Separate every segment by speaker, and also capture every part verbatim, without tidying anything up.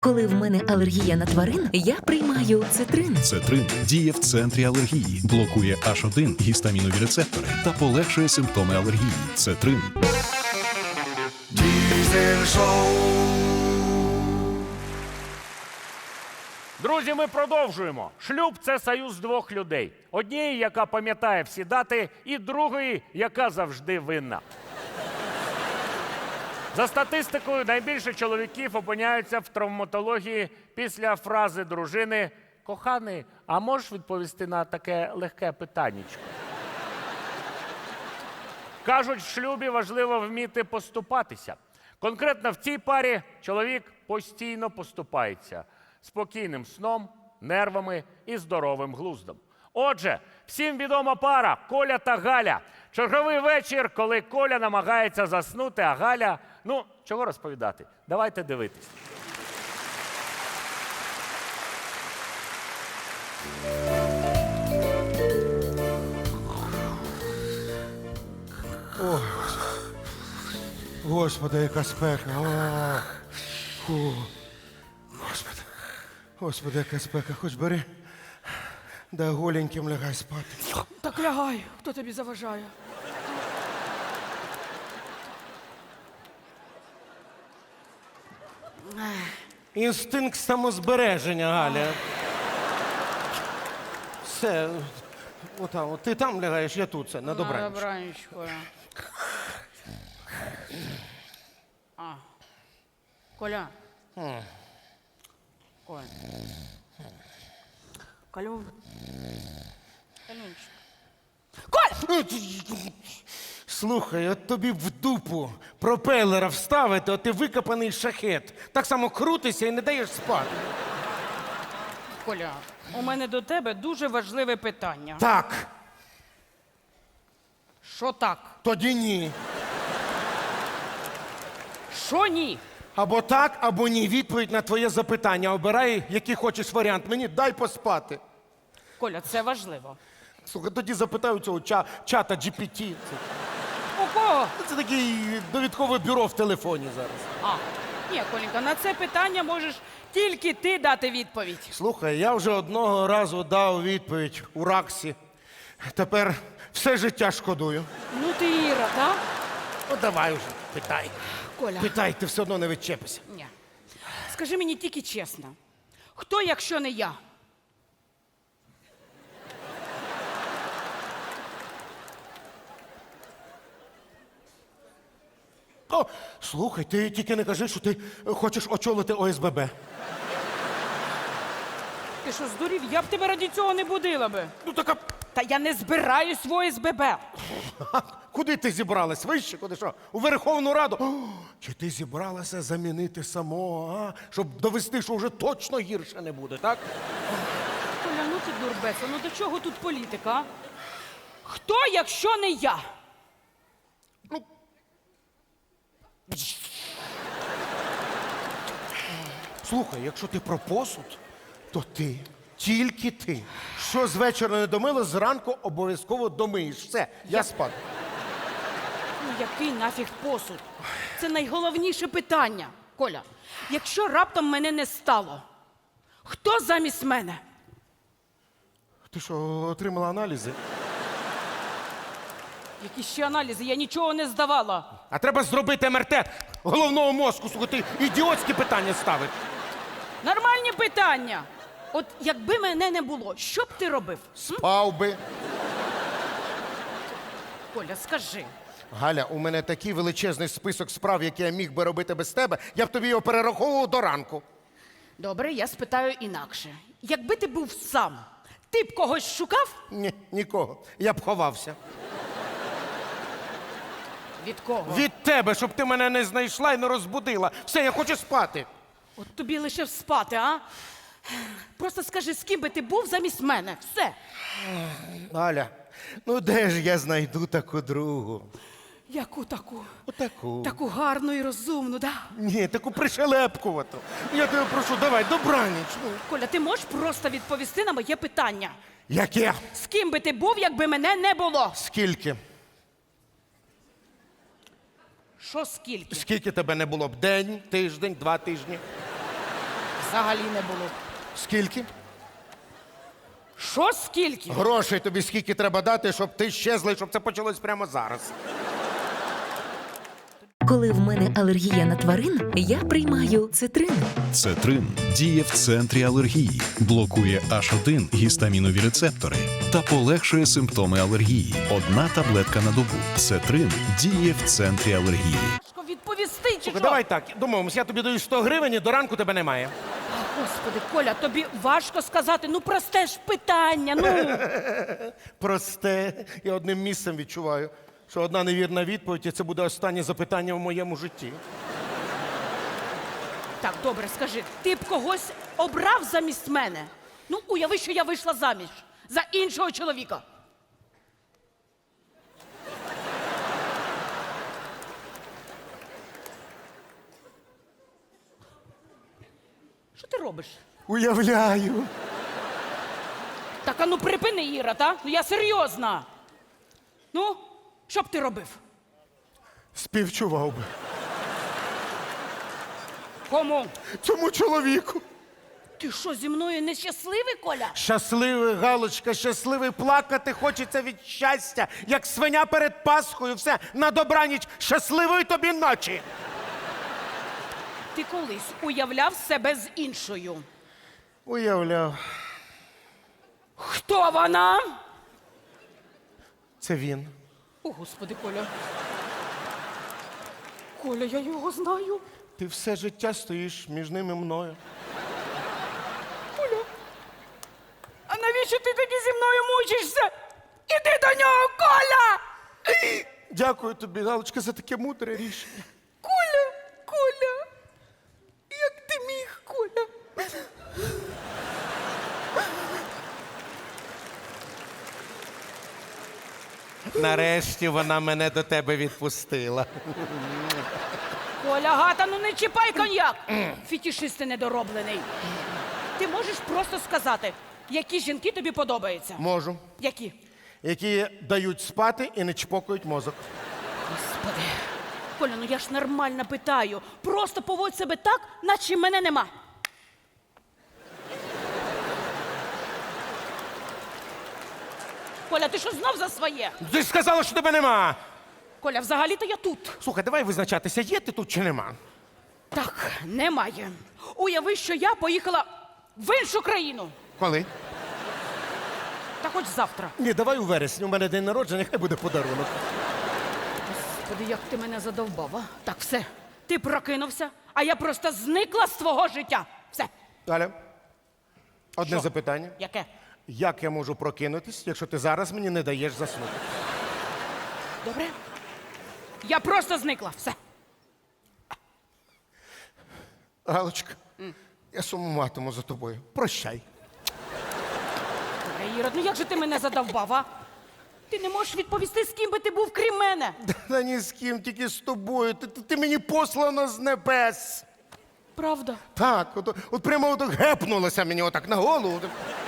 Speaker 1: Коли в мене алергія на тварин, я приймаю цитрин.
Speaker 2: Цетрин діє в центрі алергії, блокує аш один гістамінові рецептори та полегшує симптоми алергії. Цетрин.
Speaker 3: Diesel Show.
Speaker 4: Друзі, ми продовжуємо. Шлюб – це союз двох людей. Однієї, яка пам'ятає всі дати, і другої, яка завжди винна. За статистикою, найбільше чоловіків опиняються в травматології після фрази дружини «Коханий, а можеш відповісти на таке легке питаннячко?» Кажуть, в шлюбі важливо вміти поступатися. Конкретно в цій парі чоловік постійно поступається спокійним сном, нервами і здоровим глуздом. Отже, всім відома пара Коля та Галя. Черговий вечір, коли Коля намагається заснути, а Галя... Ну, чого розповідати? Давайте дивитись.
Speaker 3: Ой, Господи, яка спека. О, фу. Господи, Господи, яка спека. Хоч бери, да голеньким лягай спати.
Speaker 5: Так лягай, хто тобі заважає?
Speaker 3: Інстинкт самозбереження, Галя. Все, отам, от ти там лягаєш, я тут, це, на добраніч.
Speaker 5: На добраніч, Коля. А. Коля. Коля. Калюн. Калюнчик. Коля!
Speaker 3: Слухай, от тобі в дупу пропелера вставити, от ти викопаний шахет. Так само крутишся і не даєш спати.
Speaker 5: Коля, у мене до тебе дуже важливе питання.
Speaker 3: Так,
Speaker 5: Що так?
Speaker 3: тоді ні.
Speaker 5: Що ні?
Speaker 3: Або так, або ні. Відповідь на твоє запитання. Обирай, який хочеш варіант. Мені дай поспати.
Speaker 5: Коля, це важливо.
Speaker 3: Слухай, тоді запитаю цього ча- чата джі пі ті. Це,
Speaker 5: У кого?
Speaker 3: це таке довідкове бюро в телефоні зараз.
Speaker 5: А, ні, Коленька, на це питання можеш тільки ти дати відповідь.
Speaker 3: Слухай, я вже одного разу дав відповідь у Раксі. Тепер все життя шкодую.
Speaker 5: Ну ти Іра, так?
Speaker 3: Ну давай вже, питай.
Speaker 5: Коля.
Speaker 3: Питай, ти все одно не відчепишся.
Speaker 5: Ні. Скажи мені тільки чесно, хто, якщо не я?
Speaker 3: О, слухай, ти тільки не кажи, що ти хочеш очолити о ес бе бе.
Speaker 5: Ти що, здурів? Я б тебе раді цього не будила би.
Speaker 3: Ну така,
Speaker 5: Та я не збираюсь в о ес бе бе.
Speaker 3: куди ти зібралась? Вище, куди що? У Верховну Раду? О, чи ти зібралася замінити самого, а? Щоб довести, що вже точно гірше не буде, так?
Speaker 5: Коля, ну ти дурбеса, ну до чого тут політика, а? Хто, якщо не я?
Speaker 3: Слухай, якщо ти про посуд, то ти, тільки ти. Що з вечора не домила, зранку обов'язково домиєш. Все, я спати.
Speaker 5: Ну який нафіг посуд? Це найголовніше питання. Коля, якщо раптом мене не стало, хто замість мене?
Speaker 3: Ти що, отримала аналізи?
Speaker 5: Які ще аналізи? Я нічого не здавала.
Speaker 3: А треба зробити ем ер те головного мозку, слухай, ти ідіотські питання ставиш.
Speaker 5: Нормальні питання. От якби мене не було, що б ти робив? М?
Speaker 3: Спав би.
Speaker 5: Коля, скажи.
Speaker 3: Галя, у мене такий величезний список справ, які я міг би робити без тебе, я б тобі його перераховував до ранку.
Speaker 5: Добре, я спитаю інакше. Якби ти був сам, ти б когось шукав?
Speaker 3: Ні, нікого. Я б ховався.
Speaker 5: Від кого?
Speaker 3: Від тебе, щоб ти мене не знайшла і не розбудила. Все, я хочу спати.
Speaker 5: От тобі лише спати, а? Просто скажи, з ким би ти був замість мене. Все.
Speaker 3: Галя, ну де ж я знайду таку другу?
Speaker 5: Яку таку?
Speaker 3: Отаку.
Speaker 5: Таку гарну і розумну, да?
Speaker 3: Ні, таку пришелепкувату. Я тебе прошу, давай, добраніч. Ну.
Speaker 5: Коля, ти можеш просто відповісти на моє питання?
Speaker 3: Яке?
Speaker 5: З ким би ти був, якби мене не було?
Speaker 3: Скільки?
Speaker 5: Що скільки?
Speaker 3: Скільки тебе не було б? День, тиждень, два тижні?
Speaker 5: взагалі не було.
Speaker 3: Скільки?
Speaker 5: Що скільки?
Speaker 3: Грошей тобі скільки треба дати, щоб ти щезла, і щоб це почалось прямо зараз.
Speaker 1: Коли в мене алергія на тварин, я приймаю цитрин.
Speaker 2: Цетрин діє в центрі алергії, блокує аш один гістамінові рецептори та полегшує симптоми алергії. Одна таблетка на добу. Цетрин діє в центрі алергії.
Speaker 5: Що відповісти чи що?
Speaker 3: Давай так, домовимось, я тобі даю сто гривень, і до ранку тебе немає.
Speaker 5: Господи, Коля, тобі важко сказати. Ну, просте ж питання, ну.
Speaker 3: Просте, я одним місцем відчуваю, що одна невірна відповідь, і це буде останнє запитання в моєму житті.
Speaker 5: Так, добре, скажи, ти б когось обрав замість мене? Ну, уяви, що я вийшла заміж за іншого чоловіка. Що ти робиш?
Speaker 3: Уявляю.
Speaker 5: Так, а ну припини, Іра, та? Ну я серйозна. Ну, що б ти робив?
Speaker 3: Співчував би.
Speaker 5: Кому?
Speaker 3: Цьому чоловіку.
Speaker 5: Ти що, зі мною нещасливий, Коля?
Speaker 3: Щасливий, Галочка, щасливий, плакати хочеться від щастя, як свиня перед Пасхою. Все, на добраніч, щасливої тобі ночі.
Speaker 5: Ти колись уявляв себе з іншою.
Speaker 3: Уявляв.
Speaker 5: Хто вона?
Speaker 3: Це він.
Speaker 5: О, Господи, Коля. Коля, я його знаю.
Speaker 3: Ти все життя стоїш між ним і мною.
Speaker 5: Коля. А навіщо ти тоді зі мною мучишся? Іди до нього, Коля!
Speaker 3: Дякую тобі, Галочка, за таке мудре рішення.
Speaker 5: Коля, Коля. Як ти міг, Коля?
Speaker 3: Нарешті вона мене до тебе відпустила.
Speaker 5: Коля, гата, ну не чіпай коньяк. Фітішист ти недороблений. Ти можеш просто сказати, які жінки тобі подобаються?
Speaker 3: Можу.
Speaker 5: Які?
Speaker 3: Які дають спати і не чпокають мозок.
Speaker 5: Господи. Коля, ну я ж нормально питаю. Просто поводь себе так, наче мене нема. Коля, ти що знов за своє?
Speaker 3: Ти ж сказала, що тебе нема.
Speaker 5: Коля, взагалі-то я тут.
Speaker 3: Слухай, давай визначатися, є ти тут чи нема.
Speaker 5: Так, немає. Уяви, що я поїхала в іншу країну.
Speaker 3: Коли?
Speaker 5: Та хоч завтра.
Speaker 3: Ні, давай у вересні. У мене день народження, хай буде подарунок.
Speaker 5: Господи, як ти мене задовбав, а? Так, все. Ти прокинувся, а я просто зникла з твого життя. Все.
Speaker 3: Галя, одне
Speaker 5: Що?
Speaker 3: запитання.
Speaker 5: Яке?
Speaker 3: Як я можу прокинутись, якщо ти зараз мені не даєш заснути?
Speaker 5: Добре? Я просто зникла. Все.
Speaker 3: Галочка, я сумуватиму за тобою. Прощай.
Speaker 5: Добре, Ірод, ну як же ти мене задовбав, а? Ти не можеш відповісти, з ким би ти був, крім мене.
Speaker 3: Та ні з ким, тільки з тобою. Ти, ти, ти мені послано з небес.
Speaker 5: Правда?
Speaker 3: Так, от, от прямо от гепнулося мені отак на голову.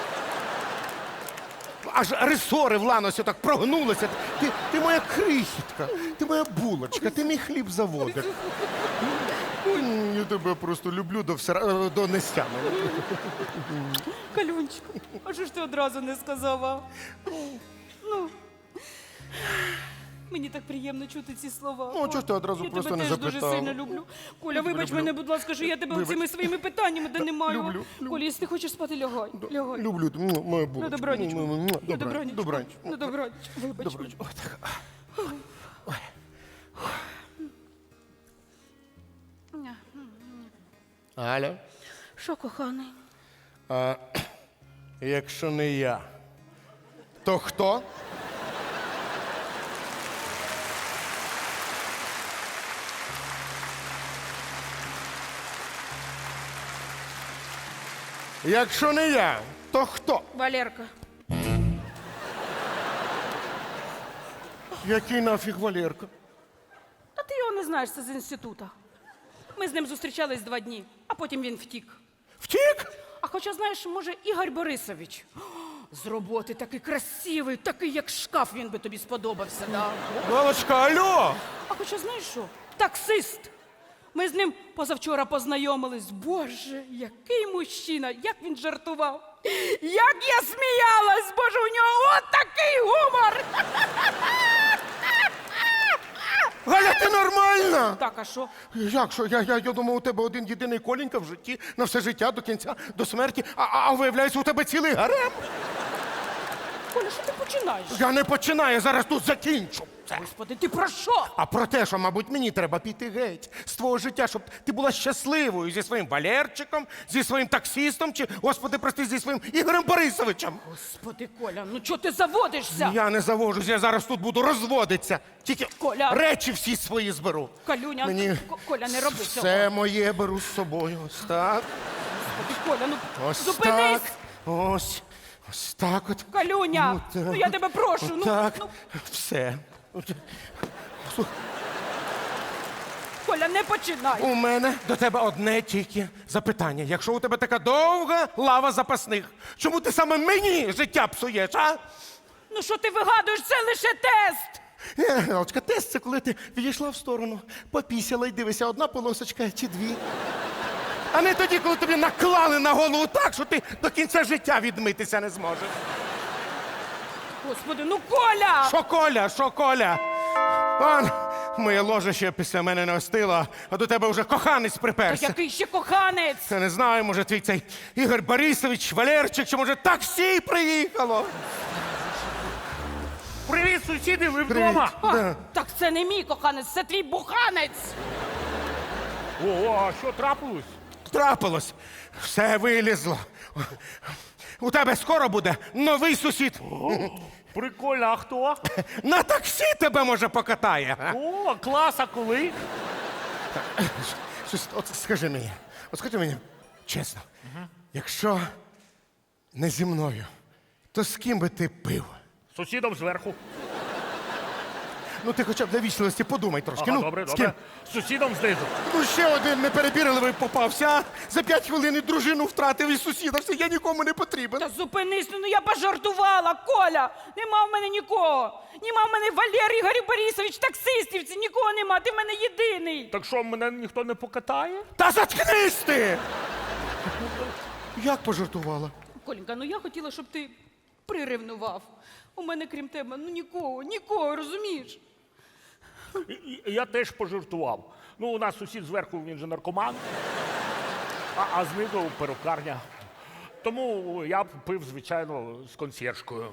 Speaker 3: Аж ресори в ланосі так прогнулися. Ти, ти моя крихітка, ти моя булочка, ти мій хліб заводик. Ой, я тебе просто люблю до, всера... до нестями.
Speaker 5: Калюнчику, а що ж ти одразу не сказав, а? Ну, мені так приємно чути ці слова.
Speaker 3: Ну, чого ж ти одразу
Speaker 5: я
Speaker 3: просто
Speaker 5: тебе
Speaker 3: не
Speaker 5: теж
Speaker 3: запитала?
Speaker 5: дуже сильно люблю. Коля, вибач
Speaker 3: люблю.
Speaker 5: мене, будь ласка, що я тебе
Speaker 3: Вибач.
Speaker 5: цими своїми питаннями донимаю.
Speaker 3: люблю, люблю.
Speaker 5: Коля, якщо ти хочеш спати, лягай. Лягай.
Speaker 3: Люблю, м, моя булочка.
Speaker 5: На добраніч.
Speaker 3: М, м, м,
Speaker 5: На
Speaker 3: добра-
Speaker 5: добраніч.
Speaker 3: Добраніч.
Speaker 5: На добраніч. Вибач.
Speaker 3: Добраніч. Ой, так. Галя,
Speaker 5: Що, коханий?
Speaker 3: а, якщо не я, то хто? Якщо не я, то хто?
Speaker 5: Валерка.
Speaker 3: Який нафіг Валерка?
Speaker 5: Та ти його не знаєш, це з інститута. Ми з ним зустрічались два дні, а потім він втік.
Speaker 3: Втік?
Speaker 5: А хоча, знаєш, може, Ігор Борисович. З роботи такий красивий, такий, як шкаф, він би тобі сподобався, да?
Speaker 3: Галочка, алло!
Speaker 5: А хоча, знаєш що? Таксист. Ми з ним позавчора познайомились. Боже, який мужчина, як він жартував. Як я сміялась, боже, у нього от такий гумор.
Speaker 3: Галя, ти нормальна?
Speaker 5: Так, а що?
Speaker 3: Як що? Я, я, я думав, у тебе один єдиний Коленька в житті на все життя до кінця, до смерті, а, а, а виявляється, у тебе цілий гарем.
Speaker 5: Коля, що ти починаєш?
Speaker 3: Я не починаю, я зараз тут закінчу. Це.
Speaker 5: Господи, ти про що?
Speaker 3: А про те, що, мабуть, мені треба піти геть з твого життя, щоб ти була щасливою зі своїм Валерчиком, зі своїм таксістом, чи, господи, прости, зі своїм Ігорем Борисовичем.
Speaker 5: Господи, Коля, ну чого ти заводишся?
Speaker 3: Я не завожусь, я зараз тут буду розводитися. Тільки
Speaker 5: Коля.
Speaker 3: речі всі свої зберу.
Speaker 5: Калюня,
Speaker 3: Мені
Speaker 5: Ко- Коля, не роби цього.
Speaker 3: все моє беру з собою. Ось так,
Speaker 5: Господи, Коля, ну
Speaker 3: ось
Speaker 5: зупинись.
Speaker 3: так, ось, ось так от.
Speaker 5: Калюня,
Speaker 3: так.
Speaker 5: ну я тебе прошу, ну,
Speaker 3: Так,
Speaker 5: ну,
Speaker 3: все.
Speaker 5: Коля, не починай.
Speaker 3: У мене до тебе одне тільки запитання. Якщо у тебе така довга лава запасних, чому ти саме мені життя псуєш, а?
Speaker 5: Ну що ти вигадуєш, це лише тест.
Speaker 3: Е, Галочка, тест це коли ти відійшла в сторону, попісяла і дивишся, одна полосочка чи дві. А не тоді, коли тобі наклали на голову так, що ти до кінця життя відмитися не зможеш.
Speaker 5: Господи, ну Коля!
Speaker 3: Що Коля, що Коля? Он, моє ложе ще після мене не остило, а до тебе вже коханець
Speaker 5: Та
Speaker 3: приперся.
Speaker 5: який ще коханець?
Speaker 3: Я не знаю, може твій цей Ігор Борисович, Валерчик, чи може таксі приїхало?
Speaker 4: Привіт, сусіди, ви
Speaker 3: Привіт.
Speaker 4: вдома?
Speaker 5: А,
Speaker 3: Да.
Speaker 5: так це не мій коханець, це твій буханець.
Speaker 4: О, а що трапилось?
Speaker 3: Трапилось, все вилізло. У тебе скоро буде новий сусід.
Speaker 4: Прикольно, а хто?
Speaker 3: На таксі тебе, може, покатає. а?
Speaker 4: О, клас, а коли?
Speaker 3: Щось, от скажи мені, от скажи мені, чесно, якщо не зі мною, то з ким би ти пив?
Speaker 4: Сусідом зверху.
Speaker 3: Ну ти хоча б для вічливості подумай трошки.
Speaker 4: Ага,
Speaker 3: ну,
Speaker 4: добре,
Speaker 3: з
Speaker 4: добре.
Speaker 3: ким?
Speaker 4: Сусідом знизу.
Speaker 3: Ну ще один неперебірливий попався. а? За п'ять хвилин і дружину втратив і сусіда. Все, я нікому не потрібен.
Speaker 5: Та зупинись, ну я пожартувала, Коля. Нема в мене нікого. Нема в мене Валер Ігор Борисович, таксистівці, нікого нема, ти в мене єдиний.
Speaker 4: Так що, мене ніхто не покатає?
Speaker 3: Та заткнись ти! Як пожартувала?
Speaker 5: Коленька, ну я хотіла, щоб ти приревнував. У мене, крім тебе, ну нікого, нікого, розумієш?
Speaker 4: І- і- Я теж пожартував. Ну, у нас сусід зверху, він же наркоман, а, а знизу перукарня. Тому я пив, звичайно, з консьєржкою.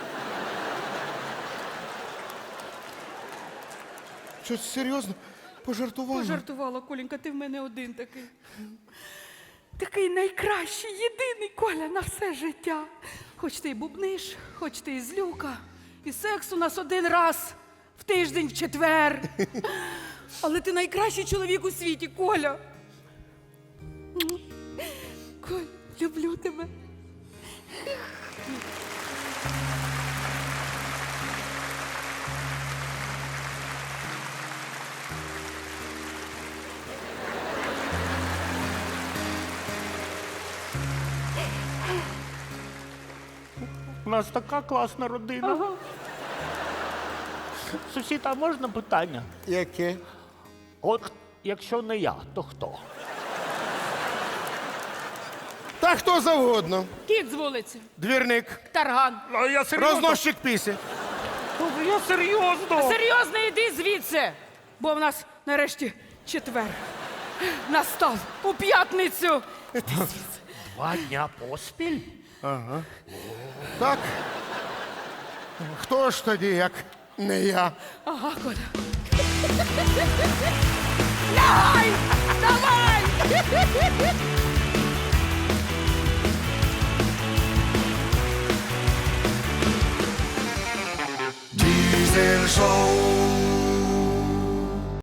Speaker 3: Щось серйозно? Пожартувала?
Speaker 5: Пожартувала, Коленька, ти в мене один такий. Такий найкращий, єдиний, Коля, на все життя. Хоч ти і бубниш, хоч ти і злюка, і секс у нас один раз в тиждень, в четвер. Але ти найкращий чоловік у світі, Коля. Коль, люблю тебе.
Speaker 4: У нас така класна родина.
Speaker 5: Ага.
Speaker 4: Сусід, а можна питання?
Speaker 3: Яке?
Speaker 4: От якщо не я, то хто?
Speaker 3: Та хто завгодно.
Speaker 5: Кіт з вулиці,
Speaker 3: Двірник,
Speaker 5: тарган.
Speaker 4: А я серйозно.
Speaker 3: розносчик пісі.
Speaker 4: Я серйозно.
Speaker 5: Серйозно, йди звідси, бо в нас нарешті четвер. Настав у п'ятницю.
Speaker 4: Два дня поспіль?
Speaker 3: Так? Хто ж тоді, як не я?
Speaker 5: Ага, Коля. Лягай! Давай!
Speaker 6: Diesel Show.